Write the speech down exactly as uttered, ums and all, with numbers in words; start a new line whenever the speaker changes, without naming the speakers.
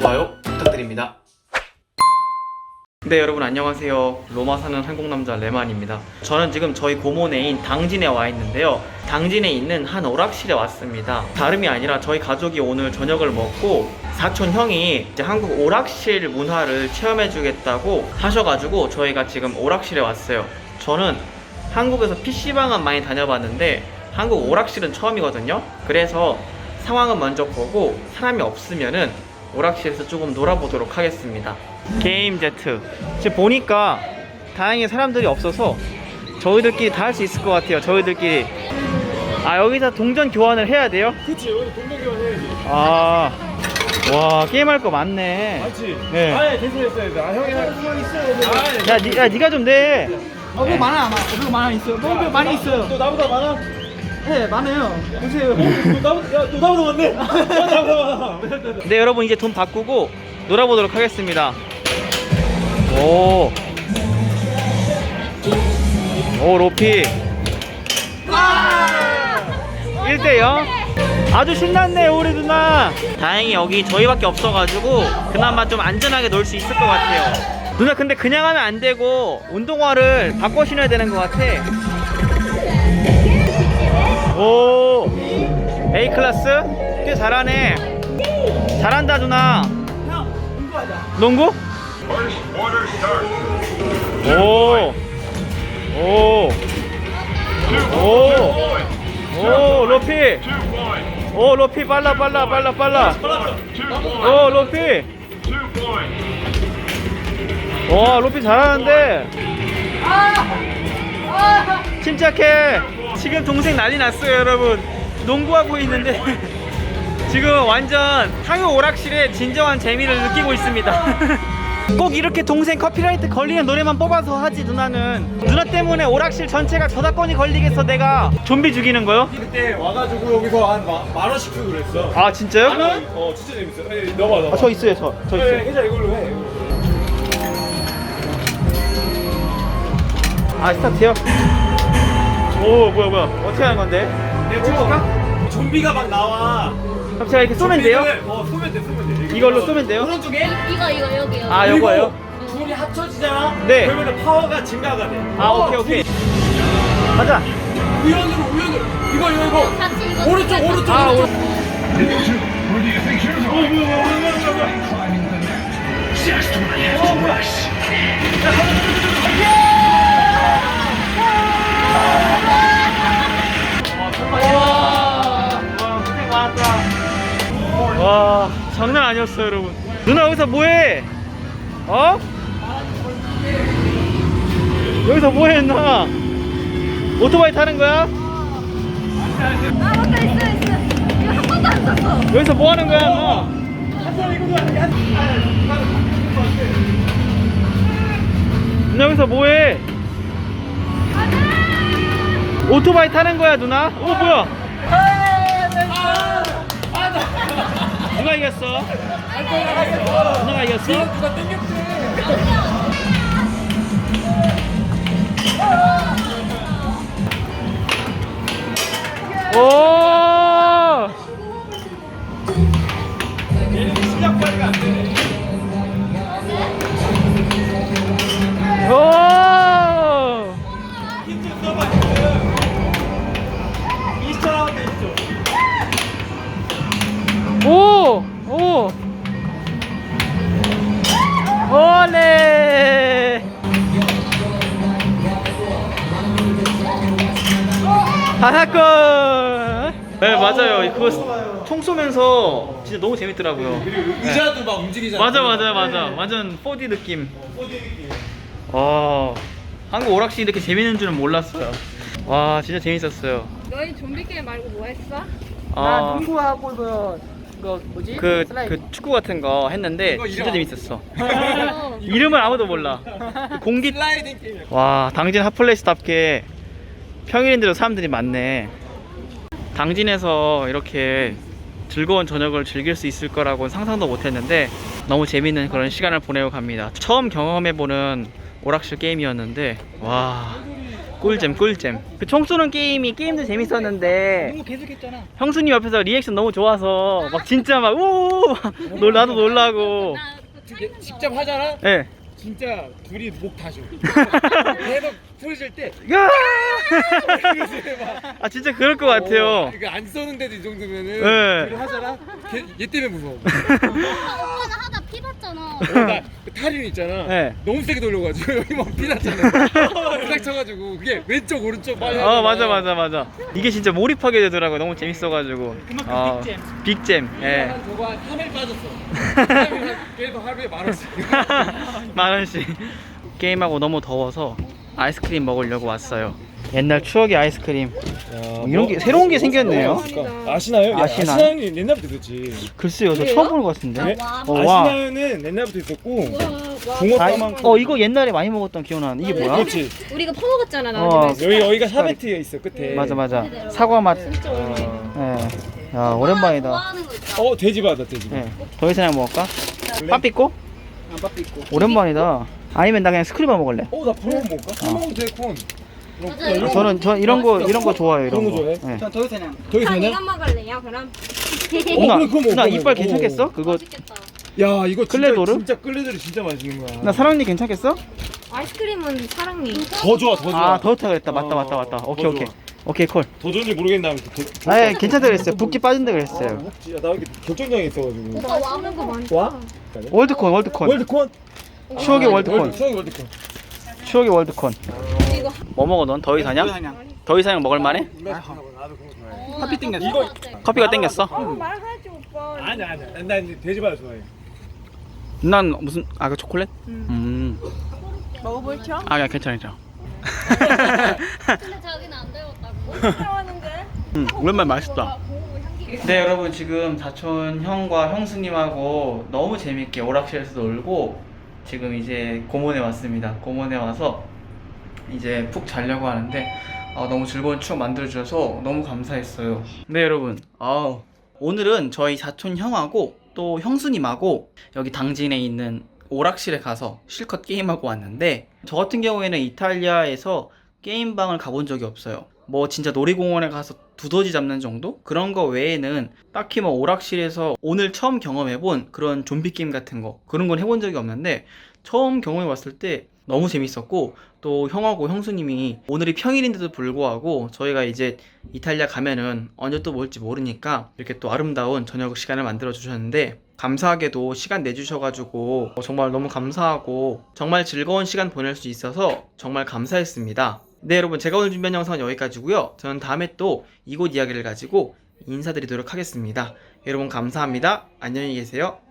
좋아요 부탁드립니다. 네, 여러분 안녕하세요. 로마 사는 한국 남자 레만입니다. 저는 지금 저희 고모네인 당진에 와 있는데요. 당진에 있는 한 오락실에 왔습니다. 다름이 아니라 저희 가족이 오늘 저녁을 먹고 사촌 형이 이제 한국 오락실 문화를 체험해 주겠다고 하셔가지고 저희가 지금 오락실에 왔어요. 저는 한국에서 피시방은 많이 다녀봤는데 한국 오락실은 처음이거든요. 그래서 상황은 먼저 보고 사람이 없으면은 오락실에서 조금 놀아보도록 하겠습니다. 게임 제트. 지금 보니까 다행히 사람들이 없어서 저희들끼리 다 할 수 있을 것 같아요. 저희들끼리. 아, 여기서 동전 교환을 해야 돼요?
그치, 여기 동전 교환해야지.
아, 와, 게임할 거 많네.
맞지?
네.
아, 예, 됐어, 됐어, 됐어. 아, 형이 한 수만 있어. 아,
야, 니, 야, 니가 좀 내.
어, 그거 많아, 많아. 그거 많아 있어요. 뭐, 많이 있어요.
너 나보다 많아?
네, 많아요. 보세요.
너 나보다, 야, 너 나보다 많네? 너 나보다 많아.
네, 여러분 이제 돈 바꾸고 놀아보도록 하겠습니다. 오, 오, 로피. 일 대 영. 아주 신났네, 우리 누나. 다행히 여기 저희밖에 없어가지고 그나마 좀 안전하게 놀 수 있을 것 같아요. 누나, 근데 그냥 하면 안 되고 운동화를 바꿔 신어야 되는 것 같아. 오, A 클래스? 꽤 잘하네. 잘한다, 누나. 농구? 오, 오, 오, 오, 로피. 오, 로피 빨라, 빨라, 빨라, 빨라. 오, 로피. 와, 로피 잘하는데. 침착해. 지금 동생 난리 났어요, 여러분. 농구하고 있는데 지금 완전 한국 오락실의 진정한 재미를 느끼고 있습니다. 꼭 이렇게 동생 커피라이트 걸리는 노래만 뽑아서 하지. 누나는 누나 때문에 오락실 전체가 저작권이 걸리겠어. 내가 좀비 죽이는 거요?
그때 와가지고 여기서 한 만 원씩 주고 그랬어.
아, 진짜요?
만 원? 어, 진짜 재밌어. 에이, 넣어봐, 넣어봐.
아, 저 있어요. 저, 저
네,
있어요.
괜찮아, 이걸로 해. 이걸로.
아, 스타트요? 오, 뭐야 뭐야, 어떻게 하는 건데?
내가 찍어볼까? 좀비가 막 나와.
그럼 제가 이렇게 쏘면 돼요?
좀비를- 어, 쏘면 돼, 쏘면 돼.
이걸로 쏘면 돼요?
오른쪽에?
이거 이거 여기요.
아,
그리고
요거예요?
둘이 합쳐지잖아?
네.
그러면 파워가 증가가 돼.
아, 오케이 오케이. 가자.
우연으로, 우연으로. 이거, 이거, 이거.
같이 이거
오른쪽,
같이
오른쪽,
아,
오른쪽.
오-
어, 뭐야, 뭐야, 뭐야, 뭐야, 뭐야. 어, 뭐야.
와, 고생 많았다. 와, 장난 아니었어요, 여러분. 누나 여기서 뭐해? 어? 여기서 뭐해, 누나? 오토바이 타는 거야?
아 맞다 있어 있어. 이거 한 번도 안 썼어.
여기서 뭐 하는 거야, 누나? 누나 여기서 뭐해? 오토바이 타는 거야, 누나? 오, 뭐야? 누가 이겼어? 누나가 이겼어?
누가 땡겼지?
오!
얘는 시작 발휘가 안 되네.
오!
힌트 써봐, 힌트. 이십 초 남았다, 이십 초.
오! 오! 올레! 하나골! 네, 맞아요. 그거 총 쏘면서 진짜 너무 재밌더라고요.
그리고 의자도 막 움직이잖아.
맞아, 맞아, 맞아. 완전 포디 느낌. 와, 한국 오락실 이렇게 재밌는 줄은 몰랐어요. 와, 진짜 재밌었어요.
너희 좀비 게임 말고 뭐 했어?
나
아,
농구하고 그, 그 뭐지?
그,
슬라이드.
그 축구 같은 거 했는데
이거
진짜
이름
재밌었어.
어.
이름을 아무도 몰라. 그 공기.
슬라이딩 게임이야.
와, 당진 핫플레이스답게 평일인데도 사람들이 많네. 당진에서 이렇게 즐거운 저녁을 즐길 수 있을 거라고는 상상도 못했는데 너무 재밌는 그런 시간을 보내고 갑니다. 처음 경험해보는 오락실 게임이었는데 와, 꿀잼 꿀잼. 그 총 쏘는 게임이 게임도 재밌었는데
이거 계속했잖아.
형수님 옆에서 리액션 너무 좋아서 막 진짜 막우 나도 놀라고.
직접 하잖아.
예.
진짜 둘이 목 다셔. 계속 부르실 때
야!
이러세요, 막.
아 진짜 그럴 것 같아요.
이거 안 쏘는데도 이 정도면은
네.
둘이 하잖아. 걔, 얘 때문에 무서워.
오빠는 하다 피 봤잖아.
어, 나 탈인 있잖아.
네.
너무 세게 돌려가지고 여기 막 피났잖아. 부닥 쳐가지고 그게 왼쪽 오른쪽 빨리.
어 맞아 맞아 맞아. 이게 진짜 몰입하게 되더라고요. 너무 재밌어가지고.
그만큼
아,
빅잼.
빅잼. 예.
한 저거 한 삼 일 빠졌어. 삼 일 그래도 하루에 만 원씩.
만 원씩. 게임하고 너무 더워서 아이스크림 먹으려고 왔어요. 옛날 추억의 아이스크림. 이런 게 새로운 게 생겼네요.
아시나요?
야, 아시나?
아시나요는 옛날부터 있었지.
글쎄요, 저 처음 보는 것 같은데.
네?
어, 와.
아시나요는 옛날부터 있었고
아,
붕어빵만.
어 이거 옛날에 많이 먹었던 기억나는 이게 뭐야?
그렇지.
우리가 퍼먹었잖아 나.
어,
여기 여기가 샤베트가 있어 끝에.
맞아 맞아. 사과 맛.
어,
예. 야 오랜만이다.
좋아하는 거 있다.
어 돼지바다 돼지.
예. 더 이상 먹을까? 빠삐꼬?
안 밥도 있고.
오랜만이다. 아니면 나 그냥 스크류바 먹을래.
어나 콘 먹을까? 콘 먹어도 돼 콘.
맞아요.
아, 저는 저 이런 거 이런 거 좋아해요. 이런
그런 거
거.
좋아해?
예.
전더 이상
저기
아,
되냐?
이거 먹을래요 그럼?
어,
누나,
그래, 그거 먹어,
누나
그거
이빨
먹어.
괜찮겠어? 그거
맛있겠다.
야 이거 진짜
클레도르?
진짜 클레도르 진짜 맛있는 거야.
나 사랑니 괜찮겠어?
아이스크림은 사랑니.
더 좋아 더 좋아.
아 더 좋다 그랬다. 맞다
어,
맞다 맞다.
더
오케이 오케이.
좋아.
오케이 콜.
더 좋은지 모르겠는데 더.
아 예, 괜찮다 그랬어요. 붓기 빠진다 그랬어요.
먹지. 야, 나 여기 결정장애 있어가지고.
오빠 와는 거 많다.
와?
월드콘 월드콘.
월드콘?
추억의 월드콘.
월드, 추억의 월드콘.
추억의 월드콘.
이거
뭐 먹어 넌? 더 이상이야?
더 이상이야.
더 이상 먹을 만해?
나도 그거 좋아해.
커피 땡겼어.
이거
커피가 땡겼어?
말하지 오빠.
아니야 아니야. 난 돼지바다 좋아해.
난 무슨 아 그 초콜릿? 음.
먹어볼죠?
아 그냥 괜찮아 괜찮아.
근데 자기는 안 배웠다고. 배웠는데.
음, 오랜만에 맛있다. 네 여러분 지금 사촌 형과 형수님하고 너무 재밌게 오락실에서 놀고 지금 이제 고몬에 왔습니다. 고몬에 와서 이제 푹 자려고 하는데 아, 너무 즐거운 추억 만들어주셔서 너무 감사했어요. 네 여러분 아, 오늘은 저희 사촌 형하고 또 형수님하고 여기 당진에 있는 오락실에 가서 실컷 게임하고 왔는데 저 같은 경우에는 이탈리아에서 게임방을 가본 적이 없어요. 뭐 진짜 놀이공원에 가서 두더지 잡는 정도? 그런 거 외에는 딱히 뭐 오락실에서 오늘 처음 경험해본 그런 좀비 게임 같은 거 그런 건 해본 적이 없는데 처음 경험해봤을 때 너무 재밌었고 또 형하고 형수님이 오늘이 평일인데도 불구하고 저희가 이제 이탈리아 가면은 언제 또 뭘지 모르니까 이렇게 또 아름다운 저녁 시간을 만들어 주셨는데 감사하게도 시간 내주셔가지고 정말 너무 감사하고 정말 즐거운 시간 보낼 수 있어서 정말 감사했습니다. 네 여러분 제가 오늘 준비한 영상은 여기까지고요. 저는 다음에 또 이곳 이야기를 가지고 인사드리도록 하겠습니다. 여러분 감사합니다. 안녕히 계세요.